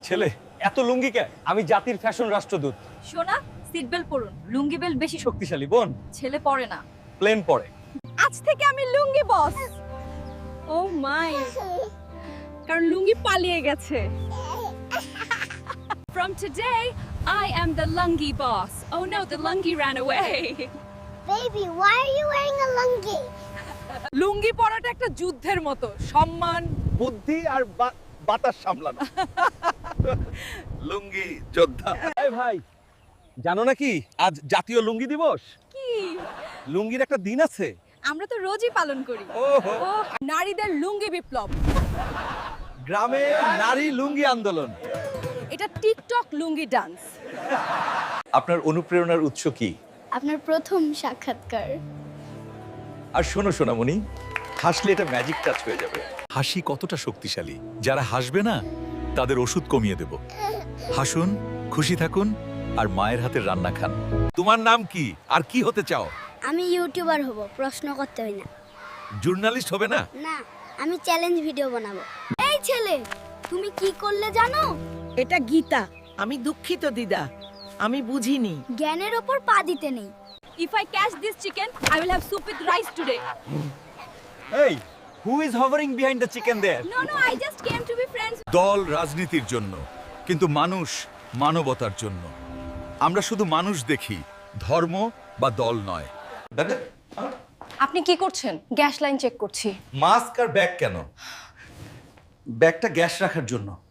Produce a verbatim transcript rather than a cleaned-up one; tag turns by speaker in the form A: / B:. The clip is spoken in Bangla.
A: ছেলে এত লুঙ্গি কে? আমি জাতির ফ্যাশন রাষ্ট্রদূত।
B: সোনা সিট বেল্ট পরুন, লুঙ্গি বেল্ট বেশি শক্তি।
A: শক্তিশালী বোন
B: ছেলে পরে না।
A: প্লেন পরে।
B: আজ থেকে আমি লুঙ্গি বস। ও মাই, কারণ লুঙ্গি পালিয়ে গেছে। From today, I am the lungi boss. Oh no, the lungi ran away.
C: Baby, why are you wearing a lungi?
B: লুঙ্গি পরাটা একটা যুদ্ধের মতো, সম্মান।
A: বুদ্ধি আর বা- বাতাস সামলানো। লুঙ্গি যোদ্ধা। এই ভাই, জানো নাকি আজ জাতীয় লুঙ্গি দিবস?
B: কি?
A: লুঙ্গির একটা দিন আছে।
B: আমরা তো রোজই পালন করি।
A: ওহো।
B: ও, নারীদের লুঙ্গি বিপ্লব।
A: গ্রামে নারী লুঙ্গি আন্দোলন।
B: এটা টিকটক লুঙ্গি ডান্স।
A: আপনার অনুপ্রেরণার উৎস কি?
C: আপনার প্রথম সাক্ষাৎকার।
A: আর শোনো সোনামণি, হাসলে এটা ম্যাজিক টাচ হয়ে যাবে। হাসি কতটা শক্তিশালী, যারা হাসবে না তাদের ওষুধ কমিয়ে দেব। হাসুন, খুশি থাকুন আর মায়ের হাতের রান্না খান। তোমার নাম কি আর কি হতে চাও?
C: আমি ইউটিউবার হব, প্রশ্ন করতে হয় না।
A: জার্নালিস্ট হবে না?
C: না, আমি চ্যালেঞ্জ ভিডিও বানাবো। এই ছেলে, তুমি কি করলে জানো?
D: এটা গীতা। আমি দুঃখিত দিদা, আমি বুঝিনি।
C: জ্ঞানের ওপর পা দিতে নেই।
B: If I catch this chicken, I will have soup with rice today.
A: এই, who is hovering behind the chicken there?
B: No, no, I just came to be friends.
A: দল রাজনীতির জন্য, কিন্তু মানুষ মানবতার জন্য। আমরা শুধু মানুষ দেখি, ধর্ম বা দল নয়।
E: আপনি কি করছেন? গ্যাস লাইন চেক করছি।
A: মাস্ক আর ব্যাগ কেন? ব্যাগটা গ্যাস রাখার জন্য।